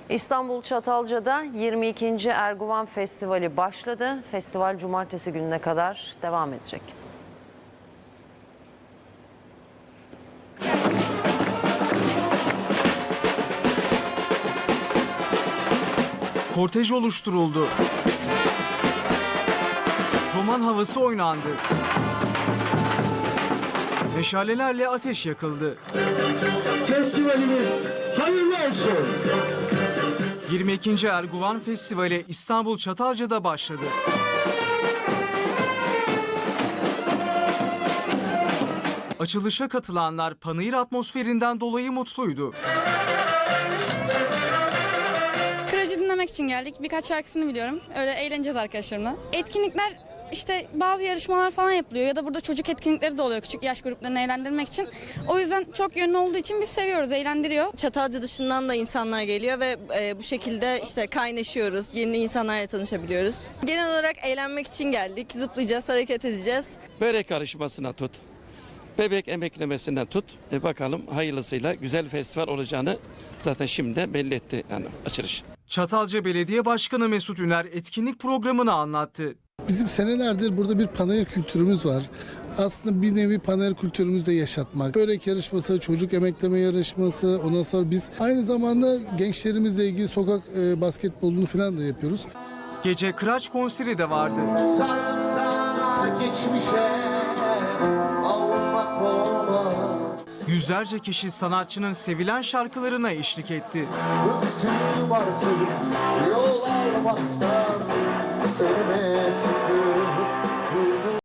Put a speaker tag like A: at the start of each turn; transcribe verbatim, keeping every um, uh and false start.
A: İstanbul Çatalca'da yirmi ikinci Erguvan Festivali başladı. Festival cumartesi gününe kadar devam edecek.
B: Kortej oluşturuldu. Roman havası oynandı. Meşalelerle ateş yakıldı.
C: Festivalimiz hayırlı olsun.
B: yirmi ikinci Erguvan Festivali İstanbul Çatalca'da başladı. Açılışa katılanlar panayır atmosferinden dolayı mutluydu.
D: Kıracı dinlemek için geldik. Birkaç şarkısını biliyorum. Öyle eğleneceğiz arkadaşlarımla. Etkinlikler işte bazı yarışmalar falan yapılıyor ya da burada çocuk etkinlikleri de oluyor küçük yaş gruplarını eğlendirmek için. O yüzden çok yönlü olduğu için biz seviyoruz, eğlendiriyor.
E: Çatalca dışından da insanlar geliyor ve e, bu şekilde işte kaynaşıyoruz, yeni insanlarla tanışabiliyoruz. Genel olarak eğlenmek için geldik, zıplayacağız, hareket edeceğiz.
F: Börek karışmasına tut, bebek emeklemesinden tut. E bakalım hayırlısıyla güzel festival olacağını zaten şimdiden belli etti yani açılış.
B: Çatalca Belediye Başkanı Mesut Üner etkinlik programını anlattı.
G: Bizim senelerdir burada bir panayır kültürümüz var. Aslında bir nevi panayır kültürümüzü de yaşatmak. Börek yarışması, çocuk emekleme yarışması, ondan sonra biz aynı zamanda gençlerimizle ilgili sokak e, basketbolunu falan da yapıyoruz.
B: Gece Kıraç konseri de vardı.
C: Sarıkta geçmişe almak olmaz.
B: Yüzlerce kişi sanatçının sevilen şarkılarına eşlik etti.
C: Bıktım artık yol almaktan, ölmek